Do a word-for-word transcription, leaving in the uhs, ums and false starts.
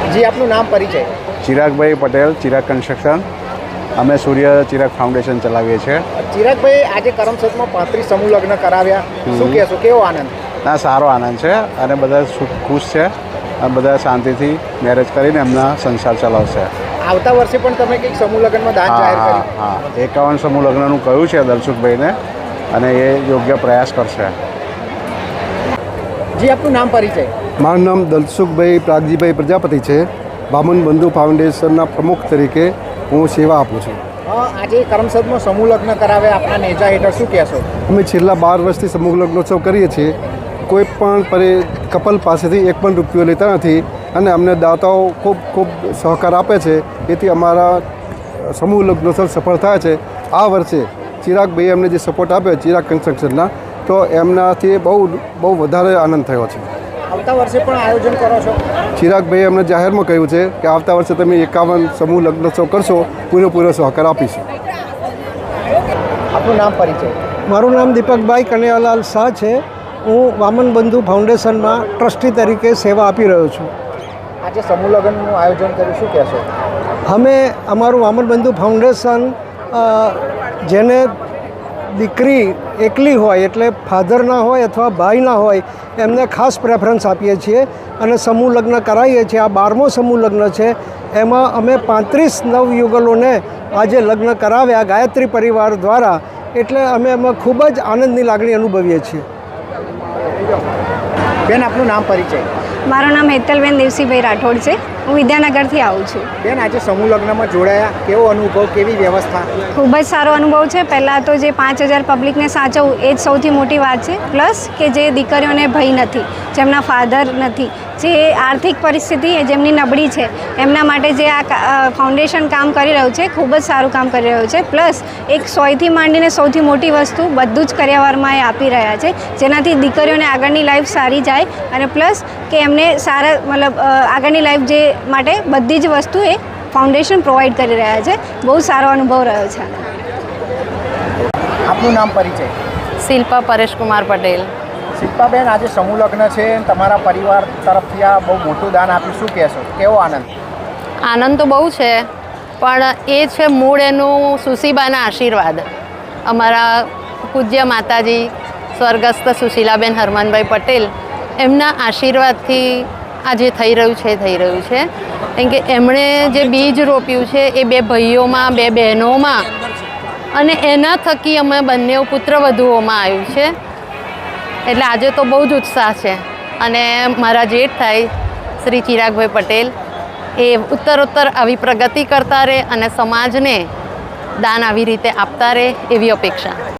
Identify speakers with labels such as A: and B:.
A: જી આપનું નામ પરિચય?
B: ચિરાગભાઈ પટેલ, ચિરાગ કન્સ્ટ્રક્શન. અમે સૂર્ય ચિરાગ ફાઉન્ડેશન ચલાવીએ છીએ.
A: ચિરાગભાઈ, આજે કરમસદમાં પાંત્રીસ સમૂહ લગ્ન કરાવ્યા, શું કહેશો, કેવો આનંદ?
B: ના, સારો આનંદ છે અને બધા ખુશ છે અને બધા શાંતિથી મેરેજ કરીને એમના સંસાર ચલાવશે.
A: આવતા વર્ષે પણ તમે કંઈક સમૂહ લગ્નમાં દાન જાહેર
B: હા
A: કર્યું?
B: હા એકાવન સમૂહ લગ્નનું કહ્યું છે દલસુખભાઈને અને એ યોગ્ય પ્રયાસ કરશે.
A: જી આપનું નામ પરિચય?
C: મારું નામ દલસુખભાઈ પ્રાગજીભાઈ પ્રજાપતિ છે. બામન બંધુ ફાઉન્ડેશનના પ્રમુખ તરીકે હું સેવા આપું છું.
A: આજે કરમસદમાં સમૂહ લગ્ન કરાવ્યા, આપના નેજા હેઠળ શું કહેશો?
C: અમે છેલ્લા બાર વર્ષથી સમૂહ લગ્નોત્સવ કરીએ છીએ. કોઈ પણ પરે કપલ પાસેથી એક પણ રૂપિયો લેતા નથી અને અમને દાતાઓ ખૂબ ખૂબ સહકાર આપે છે. તેથી અમારા સમૂહ લગ્નોત્સવ સફળ થાય છે. આ વર્ષે ચિરાગભાઈએ અમને જે સપોર્ટ આપ્યો ચિરાગ કન્સ્ટ્રક્શનના, તો એમનાથી બહુ બહુ વધારે આનંદ થયો છે.
A: આવતા વર્ષે પણ આયોજન કરો છો?
C: ચિરાગભાઈએ અમને જાહેરમાં કહ્યું છે કે આવતા વર્ષે તમે એકાવન સમૂહ લગ્નોત્સવ કરશો, પૂરેપૂરો સહકાર આપીશું.
A: આપનું નામ પરિચય?
D: મારું નામ દીપકભાઈ કનૈયાલાલ શાહ છે. હું વામન બંધુ ફાઉન્ડેશનમાં ટ્રસ્ટી તરીકે સેવા આપી રહ્યો છું.
A: આજે સમૂહ લગ્નનું આયોજન કર્યું, શું કહેશો?
D: અમે અમારું વામન બંધુ ફાઉન્ડેશન જેને દીકરી એકલી હોય, એટલે ફાધર ના હોય અથવા ભાઈ ના હોય, એમને ખાસ પ્રેફરન્સ આપીએ છીએ અને સમૂહ લગ્ન કરાવીએ છીએ. આ બારમો સમૂહ લગ્ન છે. એમાં અમે પાંત્રીસ નવયુગલોને આજે લગ્ન કરાવ્યા ગાયત્રી પરિવાર દ્વારા. એટલે અમે એમાં ખૂબ જ આનંદની લાગણી અનુભવીએ છીએ.
A: બેન, આપનું નામ પરિચય?
E: મારું નામ હેતલબેન દેવસીભાઈ રાઠોડ છે. હું વિદ્યાનગરથી આવું છું.
A: બેન, આજે સમૂહ લગ્નમાં જોડાયા, કેવો અનુભવ, કેવી વ્યવસ્થા?
E: ખૂબ જ સારો અનુભવ છે. પહેલાં તો જે પાંચ હજાર પબ્લિકને સાચવવું એ જ સૌથી મોટી વાત છે. પ્લસ કે જે દીકરીઓને ભય નથી, જેમના ફાધર નથી, જે આર્થિક પરિસ્થિતિ જેમની નબળી છે, એમના માટે જે આ ફાઉન્ડેશન કામ કરી રહ્યું છે, ખૂબ જ સારું કામ કરી રહ્યું છે. પ્લસ એક સોયથી માંડીને સૌથી મોટી વસ્તુ બધું જ કરિયાવરમાં એ આપી રહ્યા છે, જેનાથી દીકરીઓને આગળની લાઈફ સારી જાય અને પ્લસ કે એમને સારા મતલબ આગળની લાઈફ જે માટે બધી જ વસ્તુ એ ફાઉન્ડેશન પ્રોવાઈડ કરી રહ્યા છે. બહુ સારો અનુભવ રહ્યો છે.
A: આપનું નામ પરિચય?
F: શિલ્પા પરેશકુમાર પટેલ.
A: શિલ્પાબેન, આજે સમૂહ લગ્ન છે, તમારા પરિવાર તરફથી આ બહુ મોટું દાન આપ્યું, શું કહેશો, કેવો આનંદ?
F: આનંદ તો બહુ છે, પણ એ છે મૂળ એનું સુશીબાના આશીર્વાદ. અમારા પૂજ્ય માતાજી સ્વર્ગસ્થ સુશીલાબેન હરમનભાઈ પટેલ, એમના આશીર્વાદથી આ જે થઈ રહ્યું છે થઈ રહ્યું છે. કેમ કે એમણે જે બીજ રોપ્યું છે એ બે ભાઈઓમાં, બે બહેનોમાં અને એના થકી અમે બંને પુત્રવધુઓમાં આવ્યું છે. એટલે આજે તો બહુ જ ઉત્સાહ છે. અને મારા જેઠ થાય શ્રી ચિરાગભાઈ પટેલ એ ઉત્તરોત્તર આવી પ્રગતિ કરતા રહે અને સમાજને દાન આવી રીતે આપતા રહે એવી અપેક્ષા.